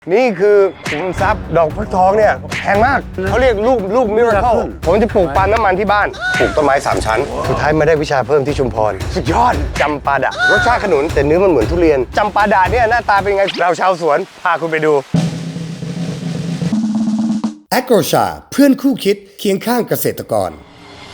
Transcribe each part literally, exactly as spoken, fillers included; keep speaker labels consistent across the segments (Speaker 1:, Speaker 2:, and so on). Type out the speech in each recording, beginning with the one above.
Speaker 1: นี่คือขุมทรัพย์ดอกฟักทองเนี่ยแพงมากเขาเรียกลูกลูกมิราเคิลผมจะปลูกปาล์มน้ำมันที่บ้านปลูกต้นไม้สามชั้นสุดท้ายมาได้วิชาเพิ่มที่ชุมพรสุดยอดจำปาดะรสชาติขนุนแต่เนื้อมันเหมือนทุเรียนจำปาดะเนี่ยหน้าตาเป็นไงเราชาวสวนพาคุณไปดู
Speaker 2: แอโกรชาเพื่อนคู่คิดเคียงข้างเกษตรกร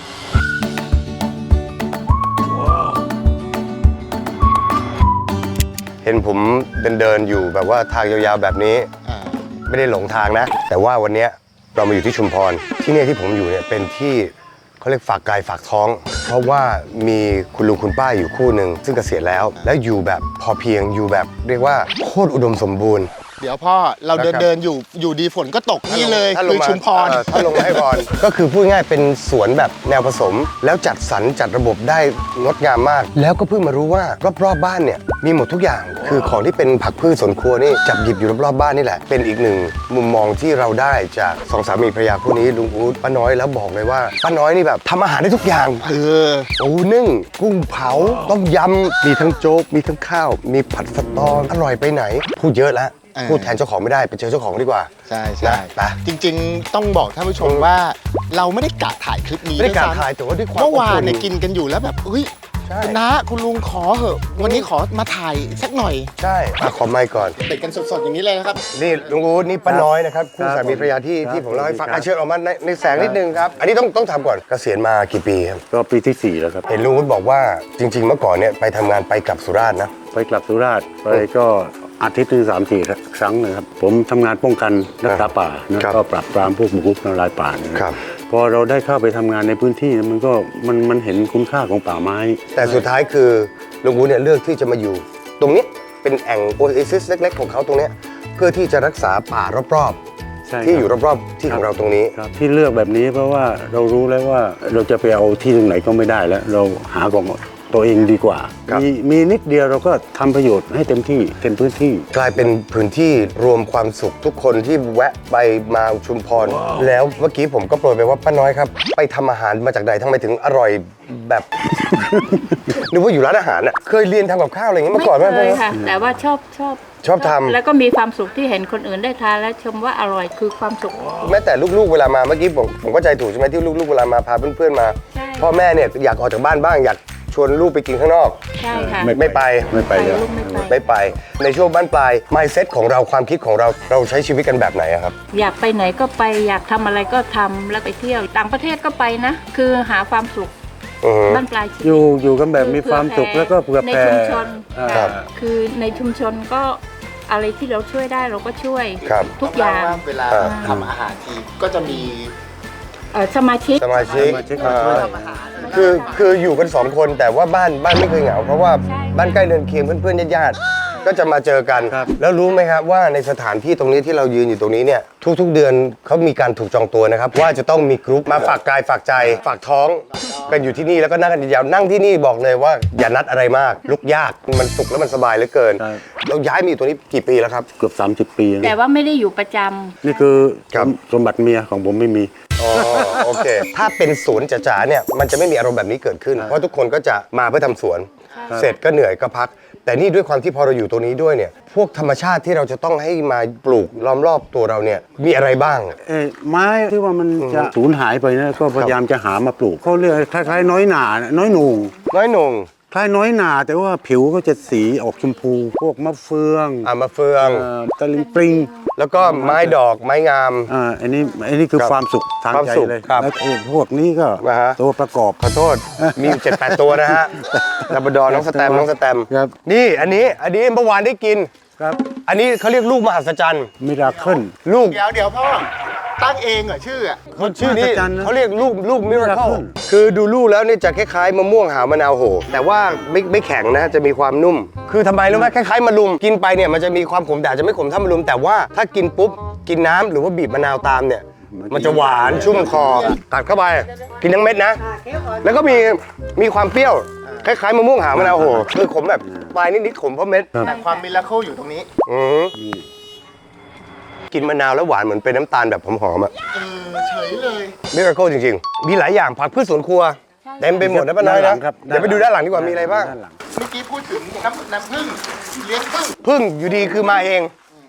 Speaker 1: เห็นผมเดินเดินอยู่แบบว่าทางยาวๆแบบนี้ไม่ได้หลงทางนะแต่ว่าวันนี้เรามาอยู่ที่ชุมพรที่นี่ที่ผมอยู่เนี่ยเป็นที่เขาเรียกฝากกายฝากท้องเพราะว่ามีคุณลุงคุณป้าอยู่คู่หนึ่งซึ่งเกษียณแล้วแล้วอยู่แบบพอเพียงอยู่แบบเรียกว่าโคตรอุดมสมบูรณ์
Speaker 3: เดี๋ยวพ่อเราเดินเดินอยู่อยู่ดีฝนก็ตกนี่เลยคือชุมพร
Speaker 1: ถ้าลงมาให้พรก็คือพูดง่ายเป็นสวนแบบแนวผสมแล้วจัดสรรจัดระบบได้งดงามมากแล้วก็เพิ่งมารู้ว่ารอบๆบ้านเนี่ยมีหมดทุกอย่างคือของที่เป็นผักพืชสวนครัวนี่จับหยิบอยู่รอบๆบ้านนี่แหละเป็นอีกหนึ่งมุมมองที่เราได้จากสองสามีภรรยาคู่นี้ลุงอู๊ดป้าน้อยแล้วบอกเลยว่าป้าน้อยนี่แบบทำอาหารได้ทุกอย่าง
Speaker 3: เออ
Speaker 1: ปูนึ่งกุ้งเผาต้มยำมีทั้งโจ๊กมีทั้งข้าวมีผัดสตออร่อยไปไหนพูดเยอะแล้วพูดแทนเจ้าของไม่ได้ไปเจอเจ้าของดีกว่า
Speaker 3: ใช่ใช่จริงๆต้องบอกท่านผู้ชมว่าเราไม่ได้กะถ่ายคลิปนี้
Speaker 1: ไม่ได้กะถ่ายแต่ว่าด้วยความ
Speaker 3: เมื่อวานเนี่ยกินกันอยู่แล้วแบบเฮ้ยคุณน้าคุณลุงขอเหอะวันนี้ขอมาถ่ายสักหน่อย
Speaker 1: ใช่ขอไมค์ก่อน
Speaker 3: เด็ดกันสดๆอย่างนี้เลยนะครับ
Speaker 1: นี่ลุงอู๊ดนี่ป้าน้อยนะครับคู่สามีภรรยาที่ที่ผมเล่าให้ฟังเชิญออกมาในในแสงนิดนึงครับอันนี้ต้องต้องทำก่อนเกษียณมากี่ปีครับ
Speaker 4: ก็ปีที่สี่แล้วครับ
Speaker 1: เห็นลุงอู๊ดบอกว่าจริงๆเมื่อก่อนเนี่ยไปทำงานไปกลับสุราษฎร์นะ
Speaker 4: ไปกลับสุราษฎร์ไปก็อาทิตย์ถึงสามสี่ครั้งนะครับผมทำงานป้องกันรักษาป่าแล้วก็ปราบปรามพวกบุกรุกทำลายป่านะครับพอเราได้เข้าไปทำงานในพื้นที่มันก็มันมันเห็นคุณค่าของป่าไม้
Speaker 1: แต่สุดท้ายคือลุงอู๊ดเนี่ยเลือกที่จะมาอยู่ตรงนี้เป็นแอ่งโอเอซิสเล็กๆของเขาตรงนี้เพื่อที่จะรักษาป่ารอบๆที่อยู่รอบๆที่ของเราตรงนี้
Speaker 4: ที่เลือกแบบนี้เพราะว่าเรารู้แล้วว่าเราจะไปเอาที่ตรงไหนก็ไม่ได้แล้วเราหาของตัวเองดีกว่ามีมีนิดเดียวเราก็ทำประโยชน์ให้เต็มที่เต็มพื้นที่
Speaker 1: กลายเป็นพื้นที่รวมความสุขทุกคนที่แวะไปมาชุมพรแล้วเมื่อกี้ผมก็โปรยไปว่าป้าน้อยครับไปทำอาหารมาจากไหนทำไมถึงอร่อยแบบนึกว่าอยู่ร้านอาหารอ่ะเคยเรียนทำกับข้าวอะไรอย่างเงี้ยมาก่อนไหม
Speaker 5: ไม่เคยค่ะแต่ว่าชอบชอบ
Speaker 1: ชอบทำ
Speaker 5: แล้วก็มีความสุขที่เห็นคนอื่นได้ทานและชมว่าอร่อยคือความสุข
Speaker 1: แม้แต่ลูกๆเวลามาเมื่อกี้ผมผมก็ใจถูกใช่ไหมที่ลูกๆเวลามาพาเพื่อนๆมาพ่อแม่เนี่ยอยากออกจากบ้านบ้างอยากชวนลูกไปกินข้างนอก
Speaker 5: ใช่ค่ะ
Speaker 1: ไม่ไป
Speaker 4: ไม่ไปเลย
Speaker 1: ไม่ไปในช่วงบ้านปลาย mindset ของเราความคิดของเราเราใช้ชีวิตกันแบบไหนครับ
Speaker 5: อยากไปไหนก็ไปอยากทำอะไรก็ทำแล้วไปเที่ยวต่างประเทศก็ไปนะคือหาความสุขบ้านปลายชีวิต
Speaker 4: อยู่อยู่กันแบบมีความสุขแล้วก็เผื่อ
Speaker 5: แผ่ในชุมชนคือในชุมชนก็อะไรที่เราช่วยได้เราก็ช่วยทุกอย่าง
Speaker 3: เวลาทำอาหารทีก็จะมี
Speaker 5: สมาชิก
Speaker 1: สมาชิกคือคืออยู่กันสองคนแต่ว่าบ้านบ้านไม่เคยเหงาเพราะว่าบ้านใกล้เรือนเคียงเพื่อนๆญาติๆก็จะมาเจอกันแล้วรู้ไหมครับว่าในสถานที่ตรงนี้ที่เรายืนอยู่ตรงนี้เนี่ยทุกๆเดือนเขามีการถูกจองตัวนะครับว่าจะต้องมีกรุ๊ปมาฝากกายฝากใจฝากท้องกันอยู่ที่นี่แล้วก็นั่งกันยาวนั่งที่นี่บอกเลยว่าอย่านัดอะไรมากลุกยากมันสุขแล้วมันสบายเหลือเกินเราย้ายมาอยู่ตรงนี้กี่ปีแล้วครับ
Speaker 4: เกือบสามสิบปี
Speaker 5: แต่ว่าไม่ได้อยู่ประจำ
Speaker 4: นี่คือสมบัติเมียของผมไม่มี
Speaker 1: อ๋อโอเคถ้าเป็นสวนจ๋าๆเนี่ยมันจะไม่มีอารมณ์แบบนี้เกิดขึ้นเพราะทุกคนก็จะมาเพื่อทำสวนเสร็จก็เหนื่อยก็พักแต่นี่ด้วยความที่พอเราอยู่ตรงนี้ด้วยเนี่ยพวกธรรมชาติที่เราจะต้องให้มาปลูกล้อมรอบตัวเราเนี่ยมีอะไรบ้าง
Speaker 4: เอ้ไม้ที่ว่ามันจะสูญหายไปนะก็พยายามจะหามาปลูกเขาเรียกคล้ายๆน้อยหนาน้อยหนุ่ง
Speaker 1: น้อยหนุ่ง
Speaker 4: คล้ายน้อยหนาแต่ว่าผิวก็จะสีออกชมพูพวกมะเฟือง
Speaker 1: อ่ามะเฟือง
Speaker 4: ตะลิงปริง
Speaker 1: แล้วก็ไม้ดอกไม้งาม
Speaker 4: อ่าอันนี้อันนี้คือความสุขทางใจเลยแล้วพวกนี้ก็ตัวประกอบ
Speaker 1: ขอโทษมีเจ็ดแปดตัวนะฮะลาบราดอร์น้องสแตมน้องสแตมนี่อันนี้อันนี้เมื่อวานได้กิน
Speaker 4: ครับ
Speaker 1: อันนี้เขาเรียกลูกมหัศจรรย์
Speaker 4: มิราเคิล
Speaker 1: ลูก
Speaker 3: เดี๋ยวเดี๋ยวพ่อตั้งเองเหรอชื่อ
Speaker 1: เขาชื่อนี้เขาเรียกลูกลูกมิราเคิลคือดูลูกแล้วนี่จะคล้ายๆมะม่วงหาวมะนาวโหแต่ว่าไม่ไม่แข็งนะจะมีความนุ่มคือทำไมรู้ไหมคล้ายๆมะลุมกินไปเนี่ยมันจะมีความขมแต่จะไม่ขมเท่ามะลุมแต่ว่าถ้ากินปุ๊บกินน้ำหรือว่าบีบมะนาวตามเนี่ยมันจะหวานชุ่มคอกัดเข้าไปกินทั้งเม็ดนะแล้วก็มีมีความเปรี้ยวคล้ายๆมะม่วงหาวมะนาวโหคือขมแบบปลายนิดๆขมเพราะเม็ด
Speaker 3: แต่ความมิราเคิลอยู่ตรงนี้
Speaker 1: อือกินมะนาวแล้วหวานเหมือนเป็นน้ำตาลแบบหอมๆอ่ะ
Speaker 3: เออเฉยเลย
Speaker 1: มิราเคิลจริงๆมีหลายอย่างผักพืชสวนครัวเต็มไปหมดนะป้าน้อยนะเดี๋ยวไปดูด้านหลังดีกว่ามีอะไรบ้าง
Speaker 3: เมื่อกี้พูดถึงน้ำน้ำผึ้งเลี้ยงผึ้ง
Speaker 1: ผึ้งอยู่ดีคือมาเอง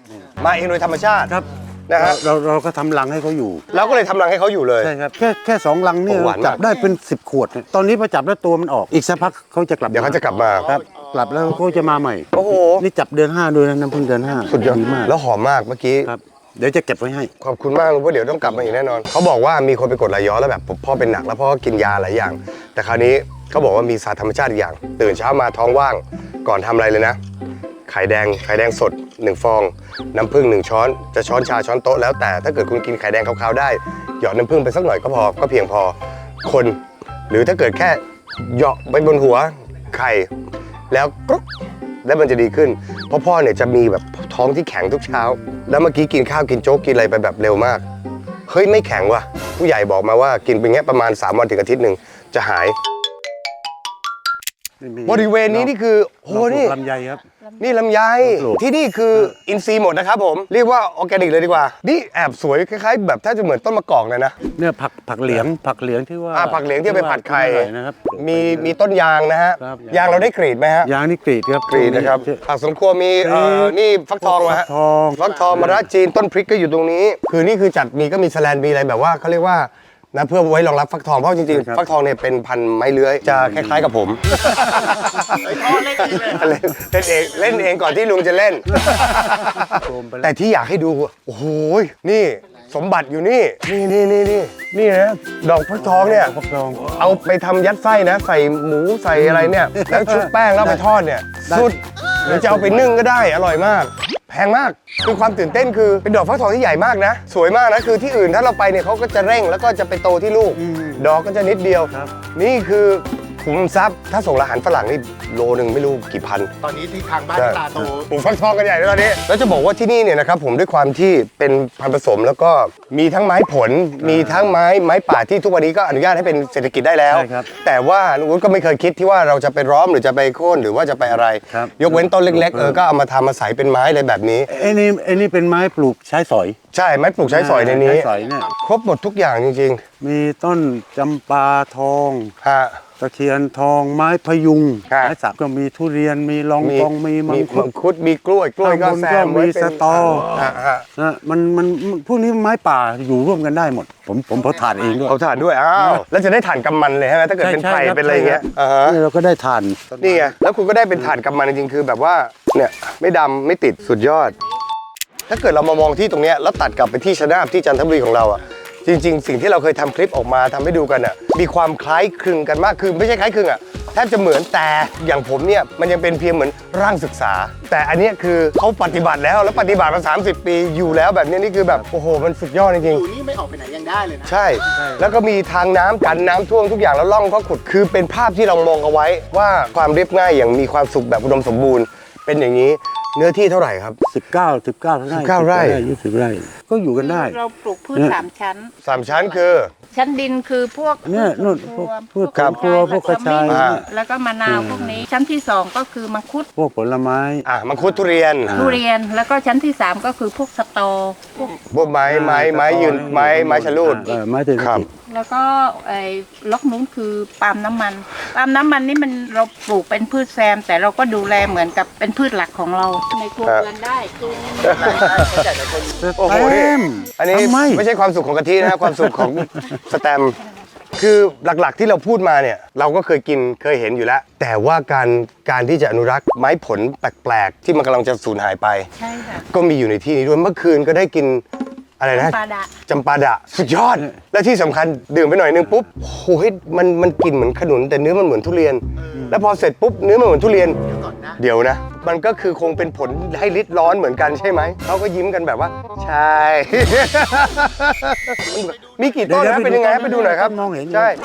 Speaker 1: มาเองโดยธรรมชาติ
Speaker 4: ครับ
Speaker 1: นะฮะ
Speaker 4: เราเราก็ทำรังให้เขาอยู่
Speaker 1: เราก็เลยทำรังให้เขาอยู่เลย
Speaker 4: ใช่ครับแค่แค่สองรังเนี่ย
Speaker 1: โอ้หวานมาก
Speaker 4: จับได้เป็นสิบขวดเนี่ยตอนนี้พอจับแล้วตัวมันออกอีกสักพักเขาจะกลับ
Speaker 1: เดี๋ยวเขาจะกลับมา
Speaker 4: ครับกลับแล้วเขาจะมาใหม่
Speaker 1: โอ้โห
Speaker 4: นี่จับเดือนห้าด้วยนะน้ำพึ่งเดือนห้า
Speaker 1: สุดยอด
Speaker 4: มาก
Speaker 1: แล้วหอมมากเมื่อกี้
Speaker 4: ครับเดี๋ยวจะเก็บไว้ให้
Speaker 1: ขอบคุณมากลุงเพราะเดี๋ยวต้องกลับมาอีกแน่นอนเขาบอกว่ามีคนไปกดไหลย้อนแล้วแบบพ่อเป็นหนักแล้วพ่อก็กินยาหลายอย่าง แต่คราวนี้เขาบอกว่ามีศาสตร์ธรรมชาติอีกอย่าง ตื่นเช้ามาท้องว่างก่อนทำอะไรเลยนะไข่แดงไข่แดงสดหนึ่งฟอง น้ำผึ้งหนึ่งช้อนจะช้อนชาช้อนโต๊ะแล้วแต่ถ้าเกิดคุณกินไข่แดงขาวๆได้หยอดน้ำผึ้งไปสักหน่อยก็พอก็เพียงพอคน หรือถ้าเกิดแค่เหยาะไปบนหัวไข่แล้วกรุ๊บแล้วมันจะดีขึ้นเพราะพ่อเนี่ยจะมีแบบท้องที่แข็งทุกเช้า แล้วเมื่อกี้กินข้าวกินโจ๊กกินอะไรไปแบบเร็วมากเฮ้ยไม่แข็งว่ะผู้ใหญ่บอกมาว่ากินไปเงี้ยประมาณสามวันถึงอาทิตย์หนึ่งจะหายบริเวณนี้นี่คือโหนี่
Speaker 4: ลำไยครับ
Speaker 1: นี่ลำไย
Speaker 4: ปลูก
Speaker 1: ที่นี่คืออินทรีย์หมดนะครับผมเรียกว่าออร์แกนิกเลยดีกว่านี่แอบสวยคล้ายๆแบบถ้าจะเหมือนต้นมะกอกเลยนะ
Speaker 4: เนี่ยผักผักเหลียงผักเหลียงที่ว่า
Speaker 1: อ่าผักเหลียงที่เอาไปผัดไข่
Speaker 4: อร่อยนะครับ
Speaker 1: มีมีต้นยางนะฮะ
Speaker 4: ครับ
Speaker 1: ยางเราได้กรีดไหมฮะ
Speaker 4: ยางนี่กรีดครับ
Speaker 1: กรีดนะครับผักสวนครัวมีเอ่อนี่ฟักทองเหรอ
Speaker 4: ฟั
Speaker 1: ฮะ
Speaker 4: กทอง
Speaker 1: ฟักทองมะระจีนต้นพริกก็อยู่ตรงนี้ คือนี่คือจัดมีก็มีแสแลนมีอะไรแบบว่าเขาเรียกว่านะเพื่อไว้รองรับฟักทองเพราะจริงๆฟักทองเนี่ยเป็นพันธุ์ไม้เลื้อยจะคล้ายๆกับผม เล่นเล่นเองเล่นเองก่อนที่ลุงจะเล่น แต่ที่อยากให้ดูโอ้โหนี่สมบัติอยู่นี่นี่นี่นี่นี่นี่นะดอกฟักทองเนี่ย
Speaker 4: ฟักทอง
Speaker 1: เอาไปทำยัดไส้นะ ใส่หมูใส่อะไรเนี่ยแล้วชุบแป้งแล้วไปทอดเนี่ยสุดหรือจะเอาไปนึ่งก็ได้อร่อยมาก แพงมากคือความตื่นเต้นคือเป็นดอกฟักทองที่ใหญ่มากนะ สวยมากนะคือที่อื่นถ้าเราไปเนี่ยเขาก็จะเร่งแล้วก็จะไปโตที่ลูก ดอกก็จะนิดเดียว
Speaker 4: ครับ
Speaker 1: นี่คือขุมทรัพย์ถ้าส่งอาหารฝรั่งนี่โลนึงไม่รู้กี่พัน
Speaker 3: ตอนนี้ที่ทางบ้านตาโต
Speaker 1: ปลูกฟักทองกันใหญ่เลยตอนนี้ แล้วจะบอกว่าที่นี่เนี่ยนะครับผมด้วยความที่เป็นพันธุ์ผสมแล้วก็มีทั้งไม้ผล มีทั้งไม้ไม้ป่าที่ทุกวันนี้ก็อนุญาตให้เป็นเศรษฐกิจได้แล้ว
Speaker 4: ใช่ครับ
Speaker 1: แต่ว่าลุงวุฒิก็ไม่เคยคิดที่ว่าเราจะไปร้อมหรือจะไปโค่นหรือว่าจะไปอะไร
Speaker 4: ครับ
Speaker 1: ยกเว้นต้นเล็กๆเออก็เอามาทำมาใส่เป็นไม้อะไรแบบนี้
Speaker 4: ไอ้นี่ไอ้นี่เป็นไม้ปลูกใช้สอย
Speaker 1: ใช่ไม้ปลูกใช้สอยในนี้
Speaker 4: ใช้สอยเนี่ย
Speaker 1: ครบหมดทุกอย่างจริง
Speaker 4: มีต้นจำปาทอง
Speaker 1: ๆฮะ
Speaker 4: ตะเคียนทองไม้พยุง
Speaker 1: ครับ
Speaker 4: ไม้สักก็มีทุเรียนมีลองกองมีมังคุ
Speaker 1: มั
Speaker 4: ด
Speaker 1: งคุดมีกล้วยกล้วยก็
Speaker 4: ข้างบน
Speaker 1: แซ
Speaker 4: ก็
Speaker 1: มไว้
Speaker 4: มี
Speaker 1: เป็น
Speaker 4: สตอ
Speaker 1: ฮะฮะ
Speaker 4: นะมันมันมันพวกนี้ไม้ป่าอยู่ร่วมกันได้หมด ผมผมเผาถ่านเองด้วย
Speaker 1: เอาถ่านด้วยอ้าวแล้วจะได้ถ่านกำมันเลยใช่ไหมถ้าเกิดเป็นไผ่เป็นอะไรอย่างเงี้ยอ่าฮะ
Speaker 4: นี่เราก็ได้ถ่าน
Speaker 1: นี่ไง แล้วคุณก็ได้เป็นถ่านกำมันจริงๆ คือแบบว่า เนี่ยไม่ดำไม่ติดสุดยอด ถ้าเกิดเรามามองที่ตรงเนี้ยแล้วตัดกลับไปที่ชะนาบที่จันทบุรีของเราอ่ะ จริงๆ สิ่งที่เราเคยทำคลิปออกมาทำให้ดูกันอ่ะ มีความคล้ายคลึงกันมาก คือไม่ใช่คล้ายคลึงอ่ะ แทบจะเหมือนแต่อย่างผมเนี่ยมันยังเป็นเพียงเหมือนร่างศึกษา แต่อันเนี้ยคือเขาปฏิบัติแล้วแล้วปฏิบัติมาสามสิบปีอยู่แล้วแบบเนี้ยนี่คือแบบโอ้โหมันสุดยอดจริง
Speaker 3: อยู่นี่ไม่ออกไปไหนยังได้เลยนะ
Speaker 1: ๆ ใช่ แล้วก็มีทางน้ำกันน้ำท่วมทุกอย่างแล้วล่องก็ขุดคือเป็นภาพที่เรามองเอาไว้ว่าความเรียบง่ายอย่างมีความสุขแบบอุดมสมบูรณ์ เป็นอย่างนี้เนื้อที่เท่าไหร่ครับ
Speaker 4: สิบเก้า สิบเก้าไร่
Speaker 1: สิบเก้าไร่
Speaker 4: ยี่สิบไร่ก็อยู่กันได้
Speaker 5: เราปลูกพืชสามชั้น
Speaker 1: สามชั้นคือ
Speaker 5: ชั้นดินคือพวก
Speaker 4: เนี่ยนู่นพวกพืช
Speaker 5: กระ
Speaker 4: ครัวพวกกระชาย
Speaker 5: แล้ว
Speaker 1: อ่า
Speaker 5: แล้วก็มะนาวพวกนี้ ชั้นที่สองก็คือมังคุด
Speaker 4: พวกผลไม้
Speaker 1: อ่ะมังคุดทุเรียน
Speaker 5: ทุเรียนแล้วก็ชั้นที่สามก็คือพวกสตอพวก
Speaker 1: พวกไม้ไม้ไม้ยืนไม้ไม้ชะลูด
Speaker 4: เออไม้เศรษฐ
Speaker 1: ครับ
Speaker 4: กิจ
Speaker 5: แล้วก็ไอ้ล็อกนู้นคือปาล์มน้ำมันปาล์มน้ำมันนี่มันเราปลูกเป็นพืชแซม แต่เราก็ดูแลเหมือนกับเป็นพืชหลักของเราในครัวเรือนได้คือ
Speaker 1: โอ้โหนี่อันนี้
Speaker 4: ทำไม
Speaker 1: ไม่ใช่ความสุขของกะทินะครับ ความสุขของสแตมป์คือหลักๆที่เราพูดมาเนี่ยเราก็เคยกินเคยเห็นอยู่แล้ว แต่ว่าการการที่จะอนุรักษ์ไม้ผลแปลกๆ ที่มันกำลังจะสูญหายไป
Speaker 5: ใช่ค่ะ
Speaker 1: ก็มีอยู่ในที่นี้ด้วยเมื่อคืนก็ได้กินอะไรนะ
Speaker 5: จำปาดะ
Speaker 1: จำปาดะสุดยอด และที่สำคัญดื่มไปหน่อยนึงปุ๊บโอ้โหมันมันกลิ่นเหมือนขนุนแต่เนื้อมันเหมือนทุเรียน แล้วพอเสร็จปุ๊บเนื้อมันเหมือนทุเรียน เดี๋ยวนะ มันก็คือคงเป็นผลให้ลิดร้อนเหมือนกันใช่ไหมเขาก็ยิ้มกันแบบว่า ใช่ มีกี่ต้นนะเป็นยังไงไปดูหน่อยครับ
Speaker 4: มองเห็นอยู่
Speaker 1: ใช่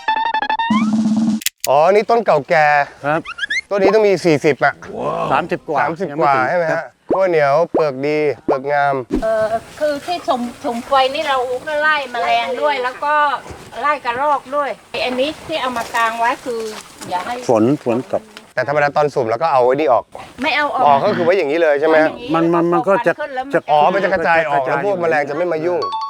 Speaker 1: อ๋อนี่ต้นเก่าแก่
Speaker 4: ครับ
Speaker 1: ต้นนี้ต้องมีสี่สิบอ่ะ
Speaker 4: สามสิบกว่า
Speaker 1: สามสิบ
Speaker 4: ยัง
Speaker 1: กว่า
Speaker 4: ถึง
Speaker 1: ใช่ไหม
Speaker 4: ครั
Speaker 1: ฮะ
Speaker 4: บ
Speaker 1: ขั้วเหนียวเปลือกดีเปลือกงาม
Speaker 5: เออคือที่ชมชมไฟนี่เราก็ไล่แมลงด้วย แล้วก็ไล่กระรอกด้วยไอ้อันนี้ที่เอามากางไว้คืออย่าให้
Speaker 4: ฝนฝนตก
Speaker 1: แต่ธรรมดาตอนสุ่มแล้วก็เอาไอ้นี่ออก
Speaker 5: ไม่เอาออก
Speaker 1: ออกก็คือไว้อย่างนี้เลยใช่ไหมฮะ
Speaker 4: มันมันมันก็จะ
Speaker 5: ขึ้แล้ว
Speaker 4: จะ
Speaker 1: อ๋อมันจะกระจายออกแล้วพวกแมลงจะไม่มายุ่ง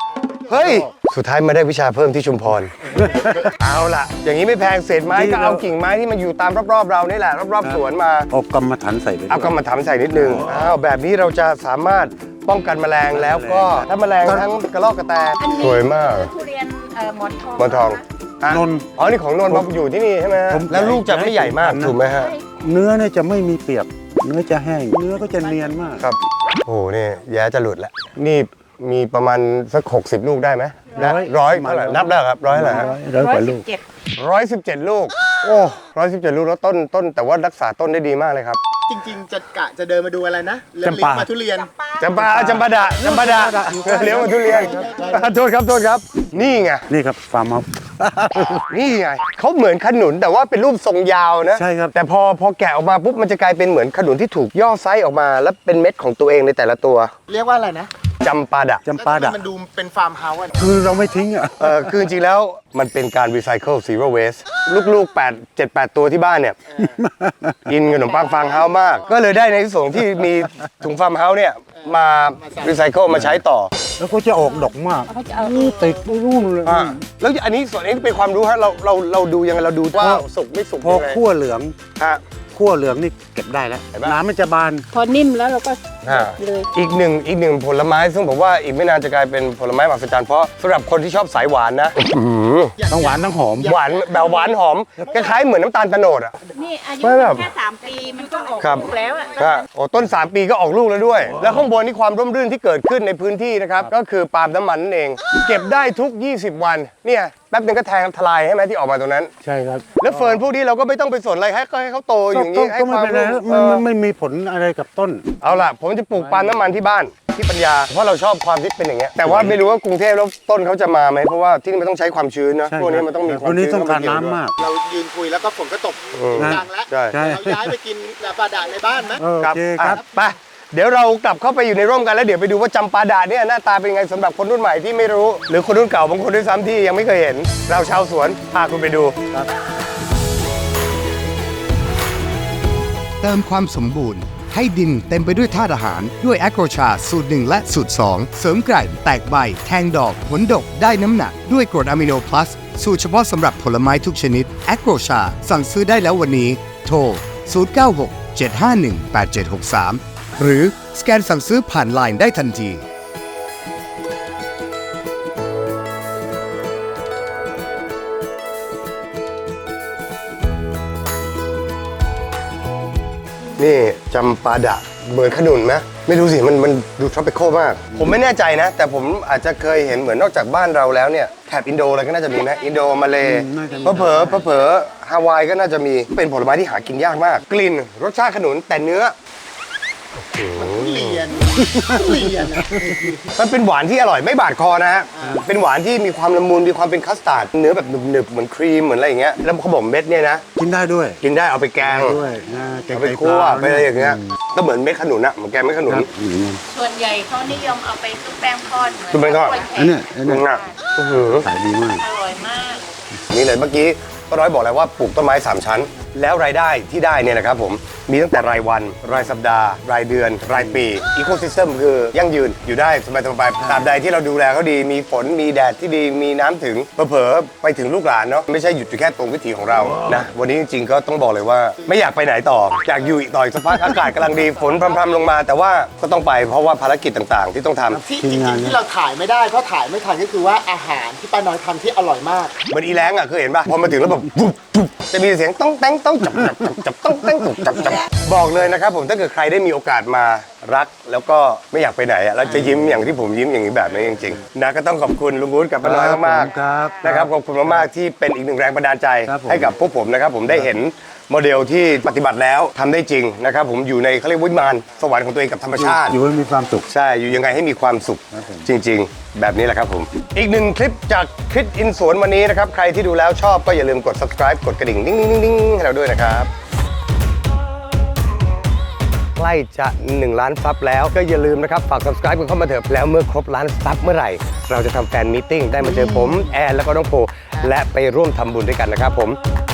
Speaker 1: เฮ้ย สุดท้ายมาได้วิชาเพิ่มที่ชุมพร เอาล่ะ อย่างนี้ไม่แพงเศษไม้ก็เอากิ่งไม้ที่มันอยู่ตามรอบๆเรานี่แหละรอบๆสวนมา
Speaker 4: เอากำมะถันใส่ไปด้วย
Speaker 1: เอากำมาถามใส่นิดนึงอ้าวแบบนี้เราจะสามารถป้องกันแมลงแล้วก็ถ้าแมลงทั้งกระรอกกระแต
Speaker 5: อันนี้
Speaker 1: สวยมาก
Speaker 5: คือทุเรียนเอ่อหมอนทอง
Speaker 1: หมอนทอง
Speaker 5: ะ
Speaker 4: นนท์
Speaker 1: อ๋อนี่ของนนท์มาอยู่ที่นี่ใช่ไหมฮะ
Speaker 4: ผม
Speaker 1: แล้วลูกจะไม่ใหญ่มากถูกไหมฮะ
Speaker 4: เนื้อเนี่ยจะไม่มีเปียกเนื้อจะแห้งเนื้อก็จะเนียนมาก
Speaker 1: ครับโอ้โหนี่แย้จะหลุดแล้วนี่มีประมาณสักหกสิบลูกได้ไหม
Speaker 4: ร้อย
Speaker 1: ร้อยเท่าไหร่นับได้ครับร้อยเท่าไหร่ฮะ
Speaker 4: ร้อยกว่าลูก
Speaker 5: เจ็ด
Speaker 1: ร้อยสิบเจ็ดลูกโอ้ร้อยสิบเจ็ดลูกแล้วต้นต้นแต่ว่ารักษาต้นได้ดีมากเลยครับ
Speaker 3: จริง ๆ จะกะจะเดินมาดูอะไรนะเลี้ยง
Speaker 4: จำปา
Speaker 3: มาทุเรียน
Speaker 1: จำปาจำปาดะจำปาดะเลี้ยงมาทุเรียนโทษครับโทษครับ นี่ไง
Speaker 4: นี่ครับฟาร์มเฮาส์
Speaker 1: นี่ไงเขาเหมือนขนุนแต่ว่าเป็นรูปทรงยาวนะ
Speaker 4: ใช่ครับ
Speaker 1: แต่พอพอแกะออกมาปุ๊บมันจะกลายเป็นเหมือนขนุนที่ถูกย่อไซส์ออกมา แล้วเป็นเม็ดของตัวเองในแต่ละตัว
Speaker 3: เรียกว่าอะไรนะ
Speaker 1: จำปาดะ
Speaker 4: จำปาดะ
Speaker 3: แล้วทำไมมันดูเป็นฟาร์มเฮาส์อะ
Speaker 4: คือเราไม่ทิ้งอ่ะ
Speaker 1: เออคือจริงๆแล้วมันเป็นการรีไซเคิลซีโร่เวสลูกๆแปด เจ็ด แปดตัวที่บ้านเนี่ยกินขนมปังฟางเฮาส์มาก ก็เลยได้ในที่ส่งที่มีถุงฟาร์มเฮาส์เนี่ยมารีไซเคิลมาใช้ต่อ
Speaker 4: แล้วก็จะออกดอกมาก
Speaker 5: เขาจะเอา
Speaker 4: นี่ติดรุ่นเลย
Speaker 1: อ่าแล้วอันนี้ส่วนนี้เป็นความรู้ฮะเราเราเราดูยังไงเราดูว่าสุกไม่สุก
Speaker 4: พอ
Speaker 1: ยังไง
Speaker 4: คั่วเหลือง
Speaker 1: ฮะ
Speaker 4: คั่วเหลืองนี่เก็บได้แล้ว
Speaker 1: เห็นปะ
Speaker 4: น้ำมันจะบาน
Speaker 5: พอนิ่มแล้วเราก็
Speaker 1: อ่า
Speaker 5: เลย
Speaker 1: อีกหนึ่งอีกหนึ่งผลไม้ซึ่งผมว่าอีกไม่นานจะกลายเป็นผลไม้มหัศจรรย์เพราะสำหรับคนที่ชอบสายหวานนะอื้อหือ
Speaker 4: ทั้งหวานทั้งหอม
Speaker 1: หวานแบบหวานหอมคล้ายๆเหมือนน้ำตาลโตโนดอ่ะ
Speaker 5: นี่อายุ
Speaker 1: ไม่แบบ
Speaker 5: แค่สามปีมันก็ออก
Speaker 1: ครับ
Speaker 5: ลูกแล้วอะ
Speaker 1: ก็โอ้ต้น สาม ปีก็ออกลูกแล้วด้วย แล้วข้างบนนี่ความร่มรื่นที่เกิดขึ้นในพื้นที่นะครับ ก็คือปาล์มน้ำมันนั่นเอง เก็บได้ทุก ยี่สิบ วัน เนี่ยแป๊บนึงก็แทงทลายใช่ไหมที่ออกมาตรงนั้น
Speaker 4: ใช่ครับ
Speaker 1: แล้วเฟิร์นพวกนี้เราก็ไม่ต้องไปสนอะไรให้ก็ให้เขาโตอย่าง
Speaker 4: ก็
Speaker 1: นี้ให้
Speaker 4: ก็
Speaker 1: ค
Speaker 4: ไม่
Speaker 1: วาม
Speaker 4: เป็นไร
Speaker 1: ร่ม
Speaker 4: มัน
Speaker 1: เอ
Speaker 4: มั
Speaker 1: อน
Speaker 4: ไม่มีผลอะไรกับต้น
Speaker 1: เอาล่ะ ผมจะปลูกปาล์มน้ำมันที่บ้านที่ปัญญา เพราะเราชอบความที่เป็นอย่างเงี้ยแต่ว่าไม่รู้ว่ากรุงเทพแล้วต้นเขาจะมาไหมเพราะว่าที่นี่มันต้องใช้ความชื้นนะ
Speaker 4: ใช่
Speaker 1: พวกนี้มันต้องมีความ
Speaker 4: วันนี้
Speaker 1: ชื้น
Speaker 4: ต้องการ
Speaker 1: เข้
Speaker 4: น้ำ
Speaker 1: เยวด้วย
Speaker 4: มาก
Speaker 3: เรายืนคุยแล้วก็ฝนก็ตก
Speaker 1: อืม
Speaker 3: ดังแล้ว
Speaker 1: ใช่
Speaker 4: ใช่
Speaker 3: เราย้ายไปกินปลาดาในบ้านไหม
Speaker 4: โอ
Speaker 1: ครับ
Speaker 4: เคครับ
Speaker 1: อ่ะไปเดี๋ยวเรากลับเข้าไปอยู่ในร่มกันแล้วเดี๋ยวไปดูว่าจำปาดะเนี่ยหน้าตาเป็นไงสำหรับคนรุ่นใหม่ที่ไม่รู้ หรือคนรุ่นเก่าบางคนด้วยซ้ำที่ยังไม่เคยเห็น เราชาวสวนพาคุณไปดู
Speaker 2: เติมความสมบูรณ์ ให้ดินเต็มไปด้วยธาตุอาหาร ด้วยแอโกรชาสูตรหนึ่งและสูตรสองเสริมไกร่แตกใบ แทงดอก ผลดกได้น้ำหนัก ด้วยกรดอะมิโนพลัส สูตรเฉพาะสำหรับผลไม้ทุกชนิดแอโกรชาสั่งซื้อได้แล้ววันนี้ โทร ศูนย์ เก้า หก เจ็ด ห้า หนึ่ง แปด เจ็ด หก สาม หรือสแกนสั่งซื้อผ่านไลน์ได้ทันที
Speaker 1: นี่จำปาดะเหมือนขนุนไหมไม่รู้สิมันมันดูทรอปิคอลมาก ผมไม่แน่ใจนะ แต่ผมอาจจะเคยเห็นเหมือนนอกจากบ้านเราแล้วเนี่ยแถบอินโดอะไรก็น่าจะมีไหมอินโดมาเล
Speaker 4: อืมน่าจะมี
Speaker 1: เผลอๆเผลอๆฮาวายก็น่าจะมีเป็นผลไม้ที่หากินยากมาก กลิ่นรสชาติขนุนแต่เนื้อ
Speaker 3: เรียนเรียนอะ
Speaker 1: มันเป็นหวานที่อร่อยไม่บาดคอนะฮะ เป็นหวานที่มีความละมุนมีความเป็นคัสตาร์ดเนื้อแบบหนึบๆเหมือนครีมเหมือนอะไรอย่างเงี้ยแล้วเขาบอกเม็ดเนี่ยนะ
Speaker 4: กินได้ด้วย
Speaker 1: กินได้เอาไปแกง
Speaker 4: ด้วยนะแกง
Speaker 1: เอาไป
Speaker 4: ไตป
Speaker 1: คั่ว
Speaker 4: ลา
Speaker 1: ไปอะไรอย่างเงี้ยก็เหมือนเม็ดขนุนอะเหมือนแกงเม็ดขนุน
Speaker 4: ครับอย่างนั้น
Speaker 5: ส่วนใหญ่เขานิยมเอาไปซุปแป้งทอดเหมือน
Speaker 1: ซุปแป้งทอด
Speaker 5: กล้วยแข
Speaker 4: อันเนี้ยอัน
Speaker 1: นึ
Speaker 4: เนี้ย
Speaker 1: งอะอื้อหือ
Speaker 4: ขายดีมาก
Speaker 5: อร่อยมาก
Speaker 1: นี่เลยเมื่อกี้ก็ร้อยบอกแล้วว่าปลูกต้นไม้สามชั้น แล้วรายได้ที่ได้เนี่ยนะครับผมมีตั้งแต่รายวัน รายสัปดาห์ รายเดือน รายปีอีโคซิสเต็มคือยั่งยืนอยู่ได้สบายสบายๆตราบใดที่เราดูแลเขาดีมีฝนมีแดดที่ดีมีน้ำถึงเผลอๆไปถึงลูกหลานเนาะไม่ใช่หยุดอยู่แค่ตรงวิถีของเรานะวันนี้จริงๆก็ต้องบอกเลยว่าไม่อยากไปไหนต่ออยากอยู่อีกต่ออีกสักพักอากาศกำลังดีฝนพรำๆลงมา แต่ว่าก็ต้องไปเพราะว่าภารกิจต่างๆ ที่ต้องทำ
Speaker 3: ที่จริงๆที่เราถ่ายไม่ได้เพราะถ่ายไม่ทันก็คือว่าอาหารที่ป้าน้อยทำที่อร่อยมาก
Speaker 1: เหมือนอีแรงอ่ะเคยเห็นป่ะพอมาถึงแล้วแบบปุ๊บปุ๊บจะมีเสียงต้องแต้งต้องจับจับจับจับต้องแต้งต้องจับจับบอกเลยนะครับผมถ้าเกิดใครได้มีโอกาสมารัก แล้วก็ไม่อยากไปไหนอ่ะแล้วจะยิ้มอย่างที่ผมยิ้มอย่างนี้แบบนี้จริงๆนะก็ต้องขอบคุณลุงวุฒิกับป้าน้อยมาก
Speaker 4: ครับ
Speaker 1: ๆนะครับขอบคุณมากๆที่เป็นอีกหนึ่งแรงบันดาลใจ
Speaker 4: ครับผม
Speaker 1: ให้กับพวกผมนะครับผมได้เห็นโมเดลที่ปฏิบัติแล้วทำได้จริงนะครับผมอยู่ในเขาเรียกวิมานสวรรค์ของตัวเองกับธรรมชาติ
Speaker 4: อยู่ให้มีความสุข
Speaker 1: ใช่ อยู่ยังไงให้มีความสุข
Speaker 4: ครับผม
Speaker 1: จริง ๆ แบบนี้แหละครับผม อีกหนึ่งคลิปจากคลิปอินสวนวันนี้นะครับ ใครที่ดูแล้วชอบก็อย่าลืมกด subscribe กดกระดิ่งนิ่งๆๆๆให้เราด้วยนะครับ ใกล้จะหนึ่งล้านซับแล้วก็อย่าลืมนะครับ ฝาก subscribe กันเข้ามาเถอะแล้วเมื่อครบล้านซับเมื่อไหร่ เราจะทำแฟนมีตติ้งได้มาเจอผม แอนแล้วก็น้องโพและไปร่วมทำบุญด้วยกันนะครับผม